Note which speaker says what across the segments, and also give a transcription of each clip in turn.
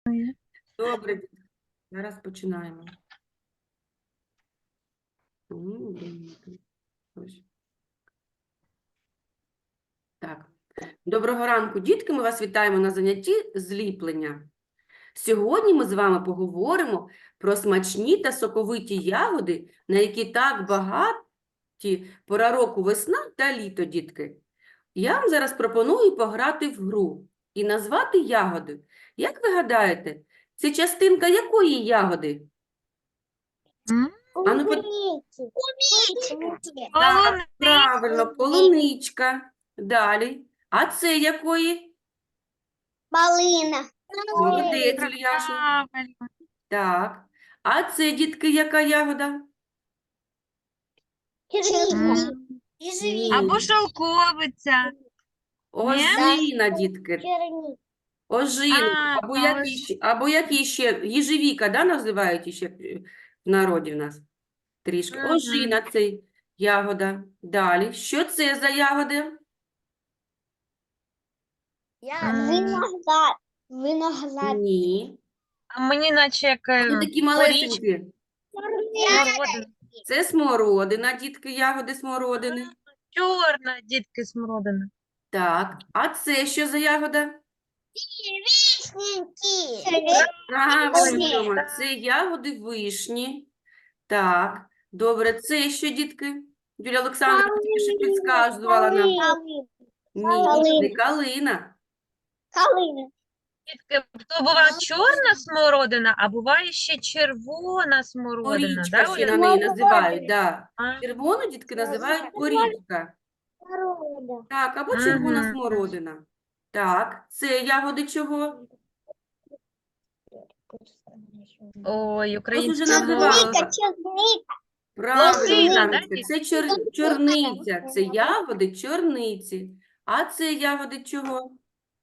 Speaker 1: Добре, зараз починаємо. Ось. Так. Доброго ранку, дітки! Ми вас вітаємо на занятті зліплення. Сьогодні ми з вами поговоримо про смачні та соковиті ягоди, на які так багаті пора року весна та літо, дітки. Я вам зараз пропоную пограти в гру і назвати ягоди. Як ви гадаєте, це частинка якої ягоди? А ну, так, правильно, полуничка. Далі. А це якої?
Speaker 2: Малина.
Speaker 1: Молодець, Ільяша.
Speaker 3: Правильно.
Speaker 1: Так. А це, дітки, яка ягода?
Speaker 2: Черника.
Speaker 3: Або шовковиця.
Speaker 1: Ожина, дітки.
Speaker 2: Черника.
Speaker 1: Ожина. Або які ще? Їжевіка, да, називають ще в народі в нас? Трішки.
Speaker 3: Мгм.
Speaker 1: Ожина це ягода. Далі. Що це за ягода?
Speaker 2: Виноград. Виноград.
Speaker 1: Ні.
Speaker 3: А мені наче як
Speaker 1: Вони такі малесенькі.
Speaker 3: смородина.
Speaker 1: Це смородина, дітки, ягоди смородини.
Speaker 3: Чорна, дітки, смородина.
Speaker 1: Так, а це що за ягода?
Speaker 2: Вишеньки.
Speaker 1: Правильно,
Speaker 2: Вишні.
Speaker 1: Тьома, це ягоди вишні. Так, добре, це що, дітки? Юлія Олександровна тільки що підказувала нам. Ні, не калина.
Speaker 2: Калина.
Speaker 3: Дітки, то буває чорна смородина, а буває ще червона смородина.
Speaker 1: Порічка
Speaker 3: Да,
Speaker 1: ще
Speaker 3: Оля?
Speaker 1: на неї називають, да.
Speaker 3: А,
Speaker 1: Червону, дітки, називають порічка. Так, або червона
Speaker 3: Мгм.
Speaker 1: смородина. Так, це ягоди чого?
Speaker 3: Ой,
Speaker 1: Ось уже
Speaker 3: українська
Speaker 1: називала.
Speaker 3: мова.
Speaker 2: Черника.
Speaker 1: Правильно,
Speaker 3: Лозина, да,
Speaker 1: Яночка, це чорниця, це ягоди чорниці. А це ягоди чого?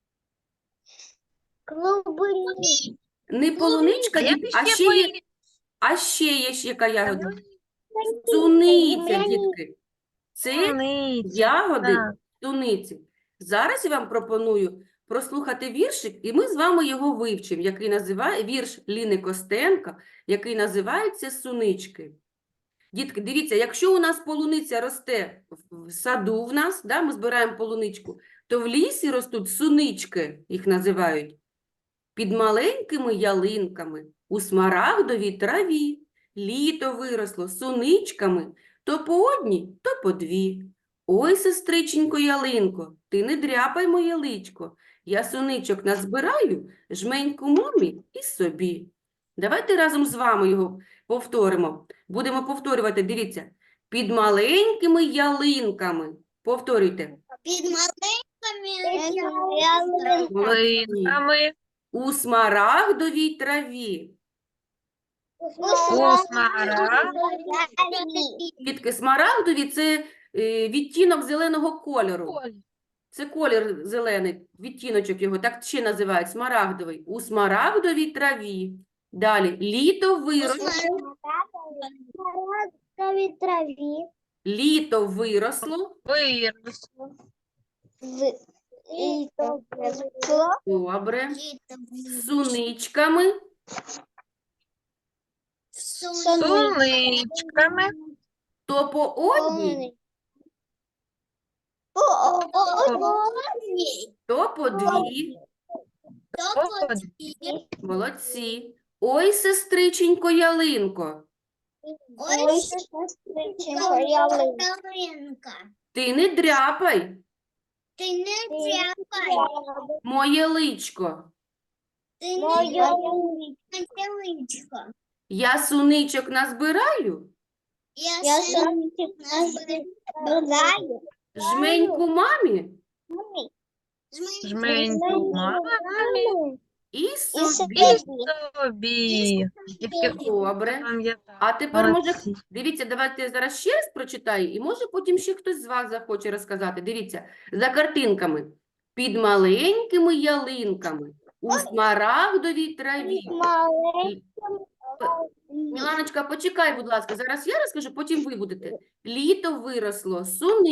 Speaker 2: Клубника.
Speaker 1: Не полуничка,
Speaker 3: А як
Speaker 1: дітки,
Speaker 3: ще по-
Speaker 1: а ще є ж яка ягода? Суниця, дітки. Це
Speaker 3: Суниця,
Speaker 1: ягоди
Speaker 3: так.
Speaker 1: суниці. Зараз я вам пропоную прослухати віршик, і ми з вами його вивчимо, який називає вірш Ліни Костенко, який називається «Сунички». Дітки, дивіться, якщо у нас полуниця росте в саду в нас, да, ми збираємо полуничку, то в лісі ростуть сунички, їх називають, під маленькими ялинками, у смарагдовій траві. Літо виросло суничками, то по одній, то по дві. Ой, сестриченько ялинко, ти не дряпай моє личко, я суничок назбираю, жменьку мамі і собі. Давайте разом з вами його повторимо. Будемо повторювати, дивіться, під маленькими ялинками. Повторюйте.
Speaker 2: Під маленькими
Speaker 1: Молодці.
Speaker 3: Линками,
Speaker 1: У смарагдовій траві. Дітки, смарагдові – це відтінок зеленого кольору. Це колір зелений, відтіночок його, так ще називають, смарагдовий. У смарагдовій траві. Далі, літо виросло.
Speaker 2: Траві.
Speaker 1: Літо виросло.
Speaker 3: виросло.
Speaker 1: Добре. З суничками.
Speaker 3: Суничками,
Speaker 1: То по одній, то по дві. Молодці. Ой, сестриченько ялинко,
Speaker 2: Ой, сестриченько, ялинка.
Speaker 1: ти не дряпай
Speaker 2: Ти не тряпай.
Speaker 1: моє личко.
Speaker 2: Ти не ялинко.
Speaker 1: Я суничок назбираю,
Speaker 2: Я сонечок назбираю.
Speaker 1: жменьку мамі
Speaker 3: жменьку мамі
Speaker 1: і собі.
Speaker 3: і собі. Дітки,
Speaker 1: Добре.
Speaker 3: пам'ятаю.
Speaker 1: А тепер, може,
Speaker 3: Молодці.
Speaker 1: дивіться, давайте я зараз ще раз прочитаю, і може потім ще хтось з вас захоче розказати. Дивіться, за картинками. Під маленькими ялинками, у смарагдовій траві. Міланочка, почекай, будь ласка, зараз я розкажу, потім ви будете. Літо виросло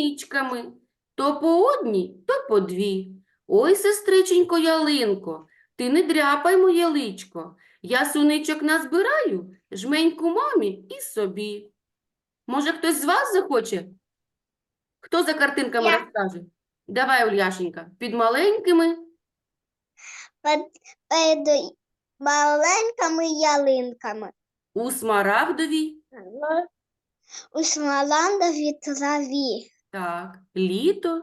Speaker 1: суничками, то по одній, то по дві. Ой, сестриченько ялинко, Ти не дряпай моє личко. Я суничок назбираю, жменьку мамі і собі. Може, хтось з вас захоче? Хто за картинками
Speaker 2: Я.
Speaker 1: розкаже? Давай, Ульяшенька, під маленькими
Speaker 2: Перед маленькими ялинками.
Speaker 1: у смарагдовій,
Speaker 2: У смоландовій траві.
Speaker 1: так, літо,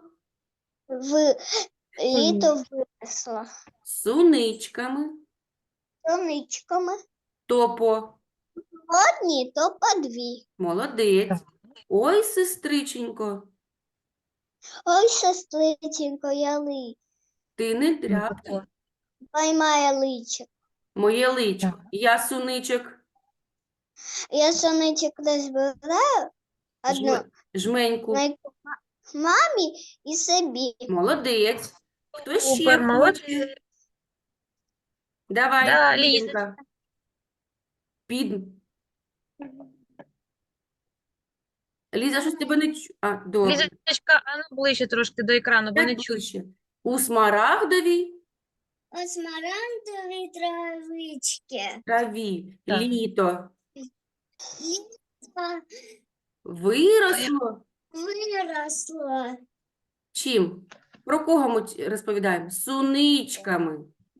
Speaker 2: Літо виросло.
Speaker 1: суничками,
Speaker 2: Соничками.
Speaker 1: то по,
Speaker 2: Одні, то по дві.
Speaker 1: молодець. Ой, сестриченько,
Speaker 2: Ой, сестриченько, яли.
Speaker 1: ти не дряпай
Speaker 2: Поймає личик.
Speaker 1: моє личко. Я суничок
Speaker 2: Я соничок не збираю. Одну
Speaker 1: жменьку.
Speaker 2: знайду мамі і собі.
Speaker 1: Молодець. Хто ще
Speaker 3: Супер,
Speaker 1: хоче?
Speaker 3: молодець.
Speaker 1: Давай,
Speaker 3: Да,
Speaker 1: Лізонька. Під. Ліза, щось тебе не чу. А, добре.
Speaker 3: Лізочка, а ну ближче трошки до екрану, бо не
Speaker 1: Так
Speaker 3: чую.
Speaker 1: ближче. У смарагдовій
Speaker 2: У смарагдовій травички.
Speaker 1: траві
Speaker 3: Так.
Speaker 1: літо
Speaker 2: Літо
Speaker 1: виросло.
Speaker 2: виросло.
Speaker 1: Чим? Про кого ми розповідаємо? Суничками.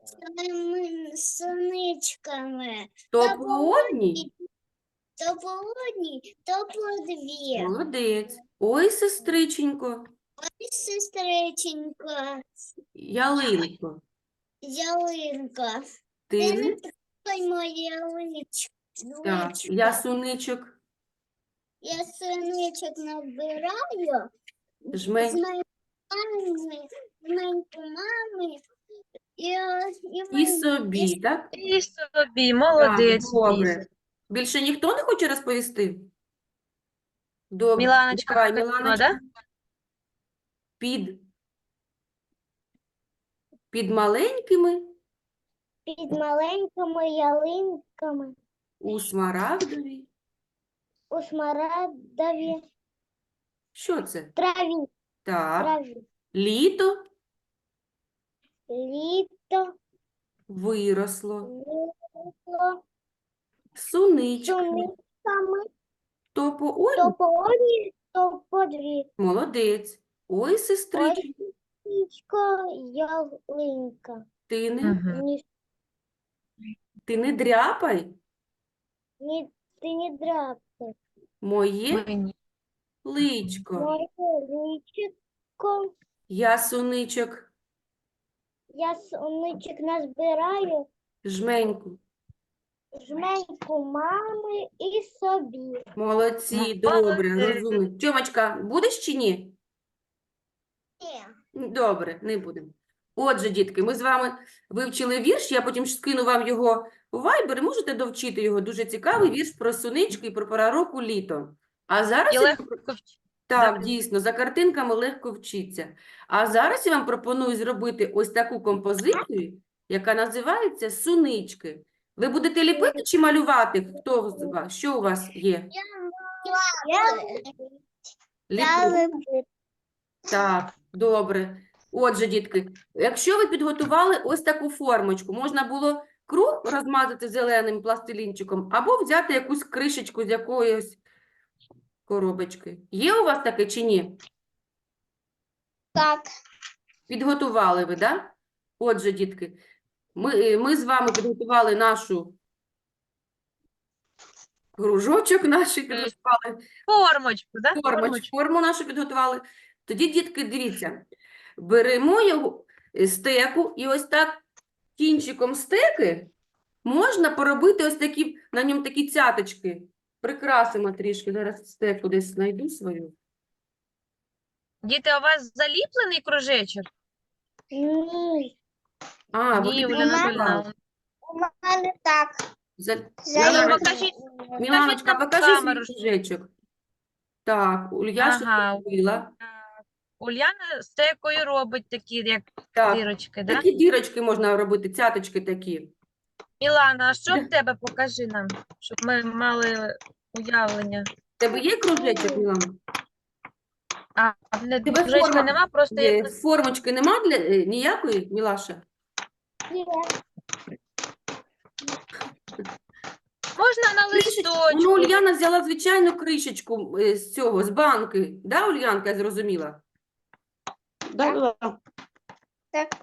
Speaker 2: Соничками.
Speaker 1: То по одній?
Speaker 2: То по одній, то по дві.
Speaker 1: Молодець. Ой, сестриченько,
Speaker 2: Ой, сестриченько,
Speaker 1: ялинко,
Speaker 2: ялинка.
Speaker 1: ти
Speaker 2: Ти
Speaker 1: не
Speaker 2: не трогай моє личко.
Speaker 1: так, я суничок
Speaker 2: Я соничок набираю.
Speaker 1: жмень.
Speaker 2: З моєю мамою і
Speaker 1: І собі, так?
Speaker 3: І собі,
Speaker 1: Так,
Speaker 3: молодець,
Speaker 1: добре.
Speaker 3: Ліза.
Speaker 1: Більше ніхто не хоче розповісти? Добре.
Speaker 3: Міланочка,
Speaker 1: Давай,
Speaker 3: хотіла,
Speaker 1: Міланочка.
Speaker 3: да?
Speaker 1: Під маленькими
Speaker 2: під маленькими ялинками
Speaker 1: у смарагдовій.
Speaker 2: у смарагдовій
Speaker 1: Що це?
Speaker 2: траві.
Speaker 1: Так. Літо
Speaker 2: Літо
Speaker 1: виросло.
Speaker 2: виросло
Speaker 1: Суничками.
Speaker 2: соничками.
Speaker 1: То по
Speaker 2: То
Speaker 1: одній?
Speaker 2: по одній, то по дві.
Speaker 1: Молодець. Ой, сестричко,
Speaker 2: Личко, ялинка.
Speaker 1: ти не,
Speaker 3: Мгм.
Speaker 1: ти не дряпай
Speaker 2: Ти не драпай.
Speaker 1: моє
Speaker 3: Мені.
Speaker 1: личко.
Speaker 2: Моє личко.
Speaker 1: Я суничок
Speaker 2: Я соничок назбираю.
Speaker 1: жменьку.
Speaker 2: Жменьку мами і собі.
Speaker 1: Молодці, добре,
Speaker 3: Молодець.
Speaker 1: розумно. Тьомочка, будеш чи ні? Добре, не будемо. Отже, дітки, ми з вами вивчили вірш, я потім скину вам його у Viber, і можете довчити його. Дуже цікавий вірш про сунички і про пора року літо. А зараз
Speaker 3: І
Speaker 1: я
Speaker 3: легко вчити.
Speaker 1: так, дійсно, за картинками легко вчиться. А зараз я вам пропоную зробити ось таку композицію, яка називається «Сунички». Ви будете ліпити чи малювати? Хто з вас? Що у вас є? Ліпити? Так, добре. Отже, дітки, якщо ви підготували ось таку формочку, можна було круг розмазати зеленим пластилінчиком або взяти якусь кришечку з якоїсь коробочки. Є у вас таке чи ні?
Speaker 2: Так.
Speaker 1: Підготували ви, да? Отже, дітки, ми з вами підготували нашу кружочок, підготували
Speaker 3: Формочку, да? Формочку.
Speaker 1: форму нашу підготували. Тоді, дітки, дивіться, беремо його стеку і ось так кінчиком стеки можна поробити ось такі, на ньому такі цяточки. Прикрасимо трішки. Зараз стеку десь знайду свою.
Speaker 3: Діти, а у вас заліплений кружечок?
Speaker 2: Ні.
Speaker 1: А,
Speaker 3: Ні,
Speaker 1: вони
Speaker 3: Оля
Speaker 2: підготували.
Speaker 3: Анатольовна.
Speaker 2: У мене так.
Speaker 1: Мілана-
Speaker 3: покажіть.
Speaker 1: Міланочка,
Speaker 3: нам
Speaker 1: покажи
Speaker 3: камеру,
Speaker 1: свій кружечок. Так, Ульяша
Speaker 3: Ага.
Speaker 1: зробила.
Speaker 3: Уляна стекою робить такі, як
Speaker 1: Так,
Speaker 3: дірочки, да?
Speaker 1: такі дірочки можна робити, цяточки такі.
Speaker 3: Мілана, а що
Speaker 1: Да.
Speaker 3: в тебе? Покажи нам, щоб ми мали уявлення.
Speaker 1: В тебе є кружечок, Мілана?
Speaker 3: А, не
Speaker 1: Тебе
Speaker 3: кружечка
Speaker 1: форма
Speaker 3: нема, просто
Speaker 1: Є.
Speaker 3: якось
Speaker 1: Формочки нема ніякої, Мілаша?
Speaker 3: Можна на
Speaker 1: Кришечку. Ну,
Speaker 3: листочку.
Speaker 1: Ульяна взяла звичайну кришечку з цього, з банки. Да, Ульянка, я зрозуміла?
Speaker 4: Да.
Speaker 2: Так.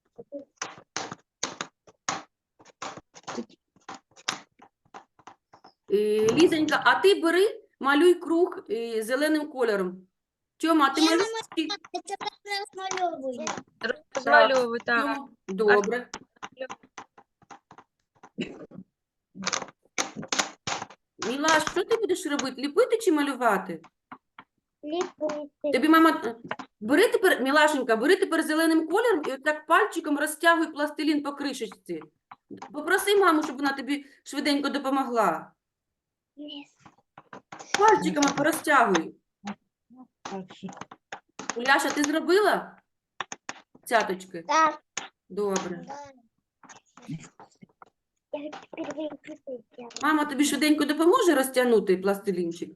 Speaker 1: Лізонька, а ти бери, малюй круг зеленим кольором. Тьома, а ти
Speaker 2: Я
Speaker 1: малюєш? чи-
Speaker 2: Это размалевываю.
Speaker 3: Розмальовуй, так.
Speaker 1: Тьома, добре. Мілаш, що ти будеш робити? Ліпити чи малювати?
Speaker 2: Липуйте.
Speaker 1: Тобі мама... Бери тепер, Мілашенька, бери тепер зеленим кольором і отак пальчиком розтягуй пластилін по кришечці. Попроси маму, щоб вона тобі швиденько допомогла. Пальчиками порозтягуй. Уляша, ти зробила цяточки?
Speaker 2: Так.
Speaker 1: Добре.
Speaker 2: Да. Я теперь выпустила.
Speaker 1: Мама тобі швиденько допоможе розтягнути пластилінчик?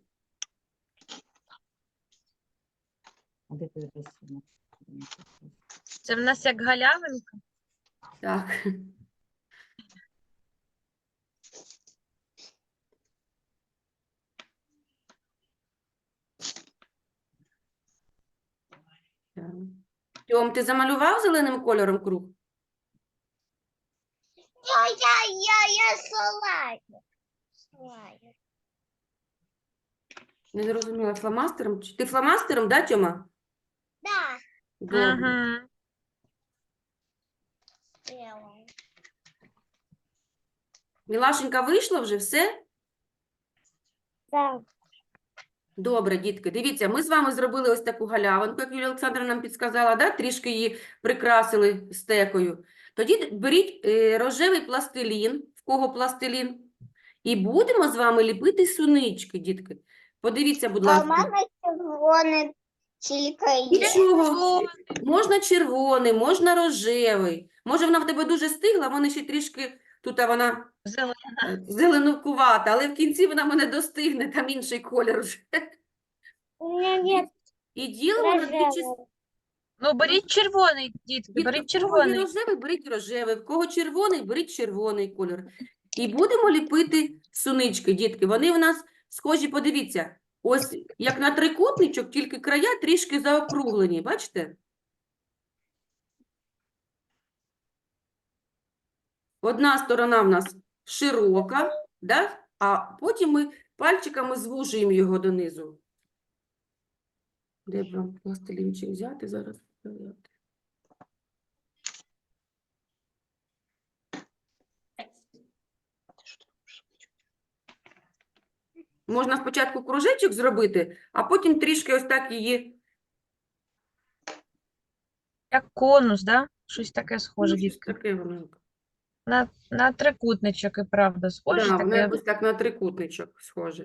Speaker 3: Це в нас як галявинка.
Speaker 1: Так. Так. Тьом, ти замалював зеленим кольором круг?
Speaker 2: Я слайд.
Speaker 1: Не зрозуміла, фломастером? Ти фломастером, да, Тьома?
Speaker 2: Да.
Speaker 1: Добре.
Speaker 3: Угу.
Speaker 2: Сделала.
Speaker 1: Мілашенька вийшла вже, все?
Speaker 2: Так.
Speaker 1: Добре, дітки, дивіться, ми з вами зробили ось таку галявинку, як Юлія Олександровна нам підсказала, да? Трішки її прикрасили стекою. Тоді беріть рожевий пластилін, в кого пластилін, і будемо з вами ліпити сунички, дітки. Подивіться, будь
Speaker 2: А у
Speaker 1: ласка.
Speaker 2: мене червоне тільки є.
Speaker 1: Нічого, можна червоний, можна рожевий. Може, вона в тебе дуже стигла, в мене ще трішки, тут вона зеленкувата, але в кінці вона мене достигне, там інший колір вже.
Speaker 2: У мене нет
Speaker 1: І ділимо на дві частини.
Speaker 2: рожевого.
Speaker 3: Ну, беріть червоний, дітки,
Speaker 1: Дітки,
Speaker 3: беріть
Speaker 1: в кого є
Speaker 3: червоний.
Speaker 1: рожевий, беріть рожевий, в кого червоний, беріть червоний кольор. І будемо ліпити сунички, дітки. Вони в нас схожі, подивіться, ось як на трикутничок, тільки края трішки заокруглені, бачите? Одна сторона в нас широка, да? А потім ми пальчиками звужуємо його донизу. Де б вам пластилінчик взяти зараз? Можна спочатку кружечок зробити, а потім трішки ось так її.
Speaker 3: Як конус, да? Щось таке схоже,
Speaker 1: Ну, щось
Speaker 3: дітки.
Speaker 1: таке воно.
Speaker 3: На трикутничок і правда схоже.
Speaker 1: Да, воно
Speaker 3: Таке.
Speaker 1: якось так на трикутничок схоже.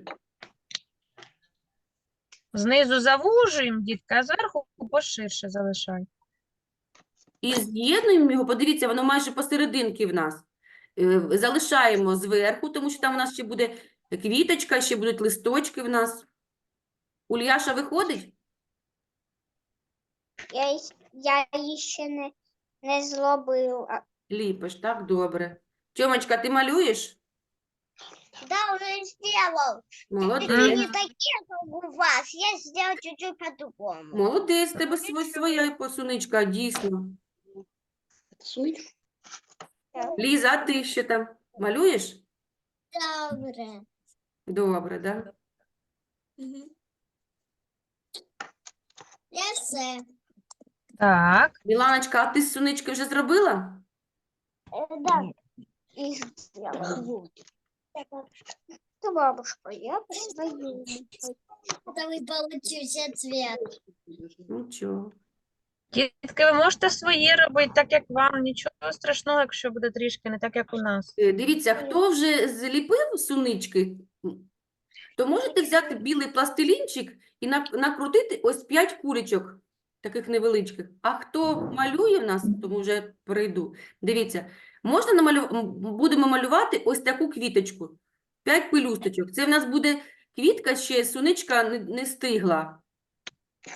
Speaker 3: Знизу завужуємо, дітки, а зверху поширше залишаємо.
Speaker 1: І з'єднуємо його, подивіться, воно майже посерединки в нас. Залишаємо зверху, тому що там у нас ще буде квіточка, ще будуть листочки в нас. Ульяша виходить?
Speaker 2: Я ще не зробила.
Speaker 1: Ліпиш, так, добре. Тьомочка, ти малюєш?
Speaker 2: Да, уже сделал.
Speaker 1: Молодець.
Speaker 2: Только не такие, как у вас. Я сделал чуть-чуть по-другому.
Speaker 1: Молодець, в тебе своя посуничка, дійсно. Ліза, а ти що там? Малюєш?
Speaker 2: Добре.
Speaker 1: Добре, да?
Speaker 2: Я все.
Speaker 3: Так,
Speaker 1: Міланочка, а ти сунички вже зробила?
Speaker 2: Да. Их сделала. Ты бабушка, я посмотрю. Это вы получите цвет.
Speaker 1: Нічого.
Speaker 3: дітки, ви можете свої робити так, як вам. Нічого страшного, якщо буде трішки не так, як у нас.
Speaker 1: Дивіться, хто вже зліпив сунички, то можете взяти білий пластилінчик і накрутити ось 5 кулечок, таких невеличких. А хто малює в нас, тому вже перейду. Дивіться, будемо малювати ось таку квіточку. 5 пелюсточок. Це в нас буде квітка, ще суничка не стигла.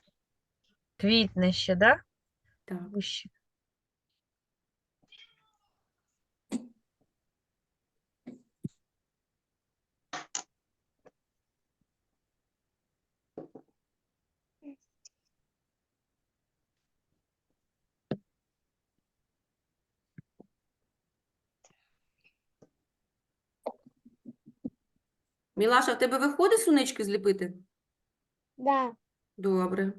Speaker 3: Квітне ще, да?
Speaker 1: Так.
Speaker 3: Вище.
Speaker 1: Мілаша, в тебе виходить сунички зліпити?
Speaker 2: Да.
Speaker 1: Добре.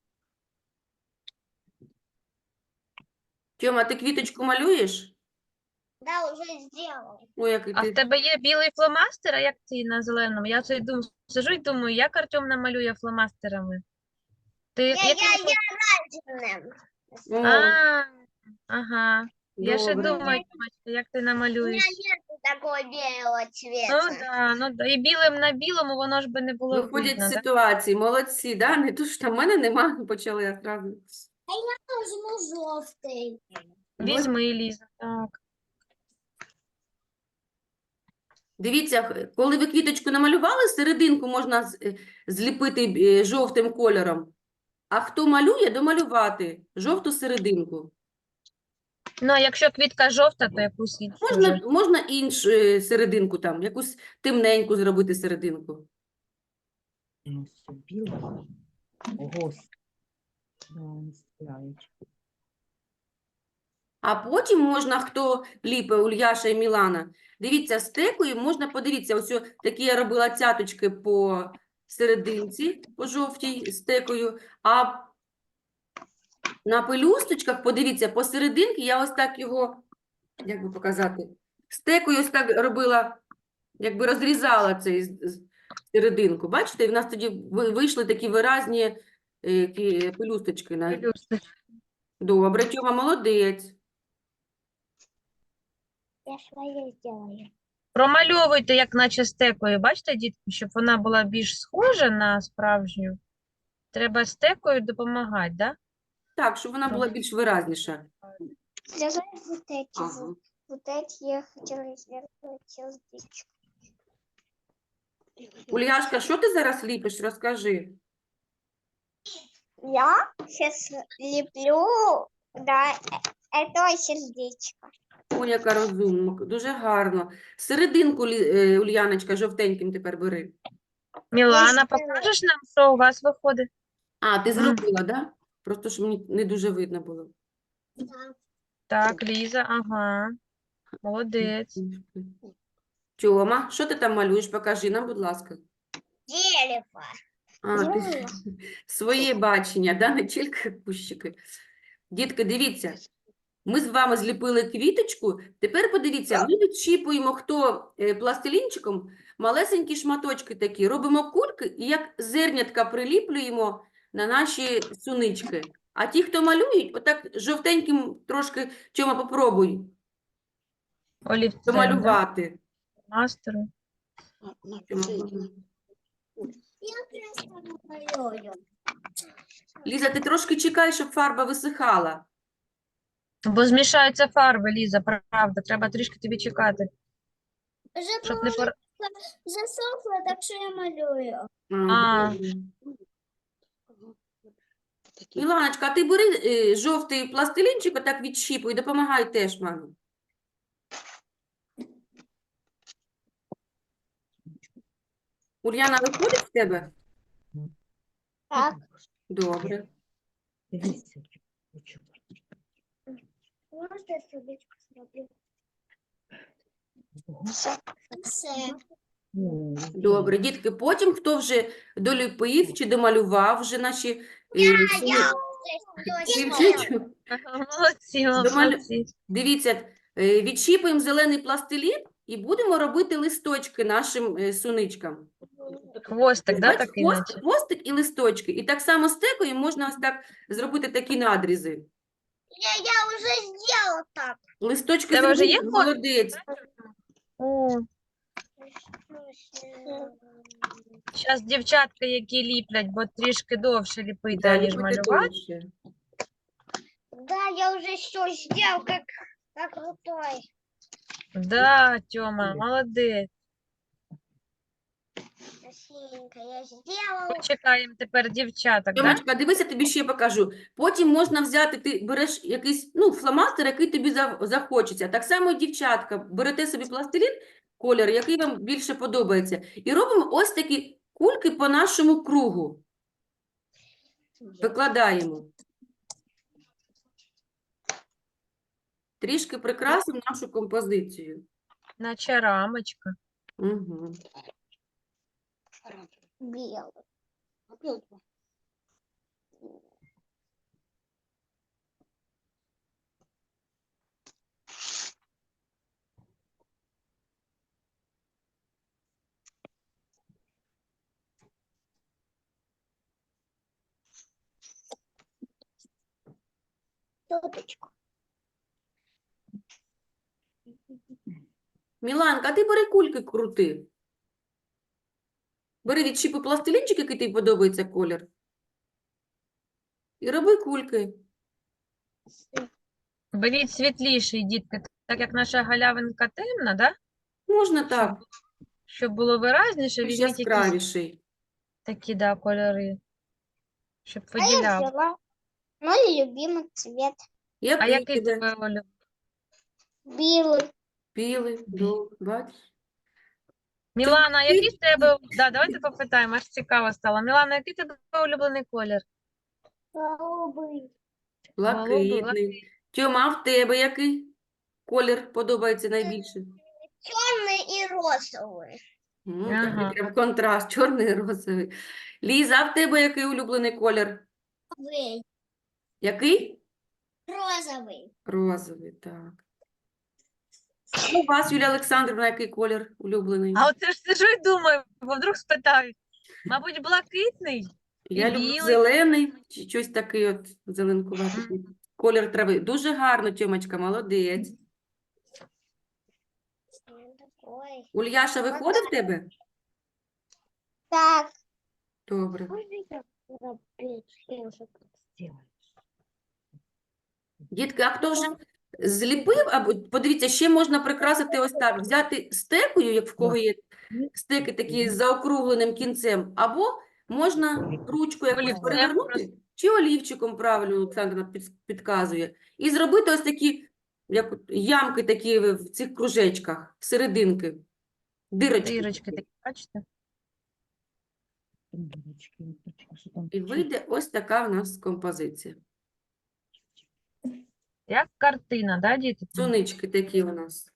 Speaker 1: Тьома, ти квіточку малюєш?
Speaker 2: Да, уже сделал.
Speaker 1: Ой, який
Speaker 3: А в
Speaker 1: ти...
Speaker 3: тебе є білий фломастер, а як ти на зеленому? Я це думаю, сижу і думаю, як Артем намалює фломастерами? Ти
Speaker 2: Я
Speaker 3: яким
Speaker 2: оранжевым.
Speaker 1: О,
Speaker 3: ага. Я ще
Speaker 1: добре.
Speaker 3: думаю, Тьомочка, як ти
Speaker 2: У меня
Speaker 3: намалюєш.
Speaker 2: нет такого белого
Speaker 3: Ну
Speaker 2: цвета.
Speaker 3: да, ну да. І білим на білому воно ж би не було
Speaker 1: Виходять
Speaker 3: видно,
Speaker 1: з
Speaker 3: да?
Speaker 1: ситуації, молодці, да? Не то, що там в мене нема, почали я одразу.
Speaker 2: Возьму желтый.
Speaker 3: Візьми, Ліза, так.
Speaker 1: Дивіться, коли ви квіточку намалювали, серединку можна зліпити жовтим кольором. А хто малює, домалювати жовту серединку.
Speaker 3: Ну, а якщо квітка жовта, то якусь іншу вже.
Speaker 1: Можна іншу серединку там, якусь темненьку зробити серединку.
Speaker 5: Ну, все біле. Гость. Да, не стріляють.
Speaker 1: А потім можна, хто ліпе, Ульяша і Мілана, дивіться, стекою можна, подивіться, ось такі я робила цяточки по серединці, по жовтій стекою, а на пелюсточках, подивіться, посерединки я ось так його, як би показати, стекою ось так робила, якби розрізала цей серединку. Бачите, і в нас тоді вийшли такі виразні пелюсточки.
Speaker 3: Пелюсточки.
Speaker 1: Добре, Тьома, молодець.
Speaker 2: Я свои сделаю.
Speaker 3: Промальовуйте, як наче стекою. Бачите, дітки, щоб вона була більш схожа на справжню. Треба стекою допомагати, да?
Speaker 1: Так, щоб вона була більш виразніша.
Speaker 2: Сделай вот эти
Speaker 1: Ага.
Speaker 2: вот эти я хотела сделать сердечко.
Speaker 1: Ульяшка, що ти зараз ліпиш? Розкажи.
Speaker 2: Я сейчас леплю, да, это сердечко.
Speaker 1: Ой, яка розумна, дуже гарно. Серединку, Ульяночка, жовтеньким тепер бери.
Speaker 3: Мілана,
Speaker 2: ще-
Speaker 3: покажеш нам, що у вас виходить?
Speaker 1: А, ти
Speaker 3: Мгм.
Speaker 1: зробила, так? Да? Просто що мені не дуже видно було.
Speaker 3: Так, Ліза, ага. Молодець.
Speaker 1: Тьома, що ти там малюєш? Покажи нам, будь ласка.
Speaker 2: Дерево.
Speaker 1: А, ти
Speaker 2: Дерево.
Speaker 1: своє бачення, да? Не тільки кущики. Дітки, дивіться, ми з вами зліпили квіточку. Тепер подивіться, ми відчіпуємо хто пластилінчиком малесенькі шматочки такі, робимо кульки і як зернятка приліплюємо на наші сунички. А ті, хто малюють, отак жовтеньким трошки, Тьома, попробуй
Speaker 3: Олівцем, да?
Speaker 1: домалювати.
Speaker 3: Мастеру.
Speaker 1: Тьома,
Speaker 2: Я просто намалюю.
Speaker 1: Ліза, ти трошки чекай, щоб фарба висихала.
Speaker 3: Бо змішаються фарби, Ліза, правда. Треба трішки тобі чекати,
Speaker 2: Уже
Speaker 3: щоб не пор...
Speaker 2: засохло, так что я малюю.
Speaker 3: А.
Speaker 1: Добре.
Speaker 5: Такі.
Speaker 1: Іланочка, а ти бери жовтий пластилінчик, отак відщіпуй, і допомагай теж мамі. Ульяна, виходить в тебе?
Speaker 2: Так,
Speaker 1: Добре.
Speaker 5: Дивіться, хочу.
Speaker 2: можно я сердечко сделаю?
Speaker 5: Ого.
Speaker 2: Все.
Speaker 5: Ну,
Speaker 1: Добре, дітки, потім хто вже доліпив чи домалював вже наші сімчичу,
Speaker 3: Молодці,
Speaker 1: Домалю-
Speaker 3: молодці.
Speaker 1: дивіться, відщіпуємо зелений пластилін і будемо робити листочки нашим суничкам.
Speaker 3: Хвостик, да,
Speaker 1: Бачите,
Speaker 3: такий наче?
Speaker 1: хвостик і листочки. І так само стекою можна ось так зробити такі надрізи.
Speaker 2: Я уже сделал так.
Speaker 1: Листочки
Speaker 3: Тебе вже
Speaker 1: зробили,
Speaker 3: є хвостик?
Speaker 1: молодець.
Speaker 3: О, зараз дівчатка, які ліплять, бо трішки довше ліпити,
Speaker 1: Да,
Speaker 3: ніж
Speaker 1: ліпити
Speaker 3: малювати.
Speaker 1: довше.
Speaker 2: Да, я уже все сделал, как крутой.
Speaker 3: Да, Тьома, молодець.
Speaker 2: Красивенько, я сделал.
Speaker 3: Почекаємо тепер дівчаток, да?
Speaker 1: Тьомочка, дивися, тобі ще покажу. Потім можна взяти, ти береш якийсь, фломастер, який тобі захочеться. Так само і дівчатка, берете собі пластилін, колір, який вам більше подобається. І робимо ось такі кульки по нашому кругу. Викладаємо. Трішки прикрасимо нашу композицію.
Speaker 3: Наче рамочка.
Speaker 1: Угу.
Speaker 2: Белый. Теточку.
Speaker 1: Міланка, а ти бери кульки крути. Бери відщіпи пластилінчик, який тобі подобається колір. І роби кульки.
Speaker 3: Беріть світліший, дітки, так як наша галявинка темна, да?
Speaker 1: Можна так,
Speaker 3: Щоб було виразніше,
Speaker 1: більш
Speaker 3: візьміть якісь
Speaker 1: яскравіший.
Speaker 3: такі, да, кольори, щоб
Speaker 2: А я
Speaker 3: виділяв.
Speaker 2: взяла мой любимый цвет.
Speaker 3: А
Speaker 1: Який
Speaker 3: який
Speaker 1: тебе?
Speaker 3: тебе, Оля?
Speaker 2: Белый.
Speaker 1: Білий, бачиш?
Speaker 3: Мілана,
Speaker 1: ти-
Speaker 3: який в тебе... Да, давайте попитаємо, аж цікаво стало. Мілана, який в тебе улюблений колір?
Speaker 2: Голубый.
Speaker 1: Блакитний. Тьома, а в тебе який колір подобається найбільше?
Speaker 2: Черный и розовый.
Speaker 1: Такий
Speaker 3: Ага.
Speaker 1: прям контраст, чорний і розовий. Ліза, а в тебе який улюблений колір? Який?
Speaker 2: Розовый.
Speaker 1: Розовий, так. У вас, Юлія Олександрівна, який колір улюблений?
Speaker 3: А оце ж сижу і думаю, бо вдруг спитають. Мабуть, блакитний?
Speaker 1: Я
Speaker 3: і
Speaker 1: люблю
Speaker 3: білий.
Speaker 1: зелений, чи щось такий от зеленкуватий. Колір трави. Дуже гарно, Тьомочка, молодець.
Speaker 2: Такой.
Speaker 1: Ульяша виходить в тебе?
Speaker 2: Так.
Speaker 1: Добре.
Speaker 5: Сделай.
Speaker 1: Дітки, а хто вже зліпив? Або подивіться, ще можна прикрасити ось так. Взяти стекою, як в кого є стеки такі з заокругленим кінцем, або можна ручку якось
Speaker 3: Олівцем
Speaker 1: перевернути, чи олівчиком, правильно Олександра підказує, і зробити ось такі як от ямки такі в цих кружечках, серединки, дирочки.
Speaker 3: Дірочки такі, бачите?
Speaker 5: Дырочки, дырочки, что там
Speaker 1: І вийде ось така в нас композиція.
Speaker 3: Як картина, да, діти?
Speaker 1: Сонечки такі у нас.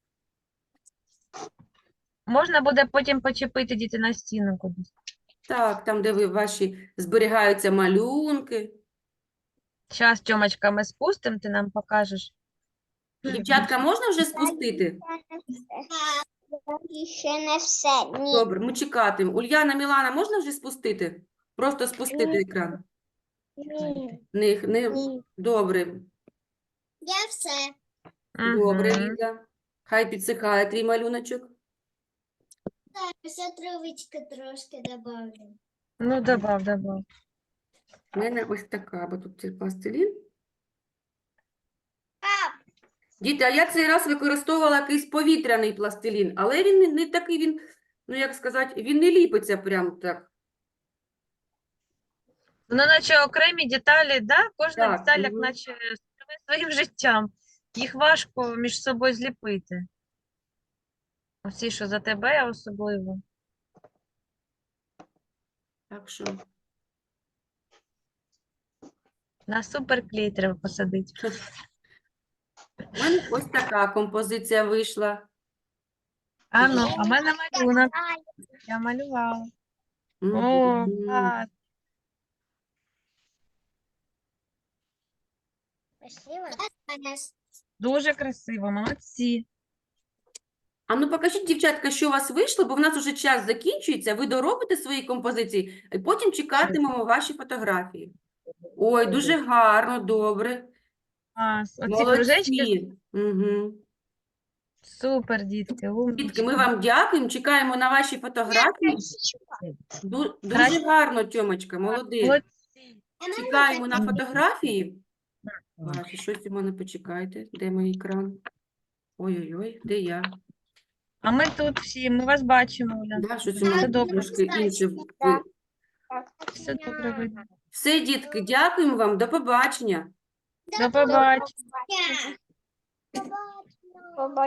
Speaker 3: Можна буде потім почепити діти на стіну кудись.
Speaker 1: Так, там, де ви ваші зберігаються малюнки.
Speaker 3: Зараз, Тьомочка, ми спустимо, ти нам покажеш.
Speaker 1: Дівчатка, можна вже спустити?
Speaker 2: Еще не все. Ні.
Speaker 1: Добре, ми чекатимемо. Ульяна, Мілана, можна вже спустити? Просто спустити
Speaker 2: Ні.
Speaker 1: екран.
Speaker 2: Ні.
Speaker 1: Не...
Speaker 2: Ні.
Speaker 1: Добре,
Speaker 2: Я все.
Speaker 1: добре,
Speaker 3: Мгм.
Speaker 1: Ліза. Хай підсихає твій малюночок.
Speaker 2: Так, ще травички трошки добавлю.
Speaker 3: Ну, добав.
Speaker 1: У мене ось така, бо тут цей пластилін. Діти, а я цей раз використовувала якийсь повітряний пластилін, але він не такий, він, ну як сказати, він не ліпиться прям так.
Speaker 3: Ну, наче окремі деталі, да? Кожна
Speaker 1: Так,
Speaker 3: деталь, як
Speaker 1: мгм.
Speaker 3: наче живе своїм життям. Їх важко між собою зліпити. Оці, що за тебе особливо.
Speaker 1: Так що,
Speaker 3: На суперклей треба посадити.
Speaker 1: у мене ось така композиція вийшла.
Speaker 3: А ну, а в мене малюнок. Я малювала. О,
Speaker 1: Мгм.
Speaker 3: клас.
Speaker 2: Спасибо.
Speaker 3: Дуже красиво, молодці.
Speaker 1: А ну покажіть, дівчатка, що у вас вийшло, бо в нас уже час закінчується, ви доробите свої композиції, і потім чекатимемо ваші фотографії. Ой, дуже гарно, добре.
Speaker 3: Клас. Оці кружечки,
Speaker 1: Молодці. Угу.
Speaker 3: супер, дітки,
Speaker 1: Дітки,
Speaker 3: умнічки.
Speaker 1: ми вам дякуємо, чекаємо на ваші фотографії. Дуже
Speaker 5: Хорошо.
Speaker 1: гарно, Тьомочка, молодець.
Speaker 3: Молодці.
Speaker 1: Чекаємо на фотографії.
Speaker 5: Так.
Speaker 1: Бачу, щось у мене, почекайте. Де мій екран? Ой-ой-ой, де я?
Speaker 3: А ми тут всі, ми вас бачимо, Оля.
Speaker 1: Да, щось у мене
Speaker 3: добре.
Speaker 1: трошки інше.
Speaker 3: Все добре видно.
Speaker 1: Все, дітки, дякуємо вам, до побачення.
Speaker 3: До побачення.
Speaker 2: Побачення.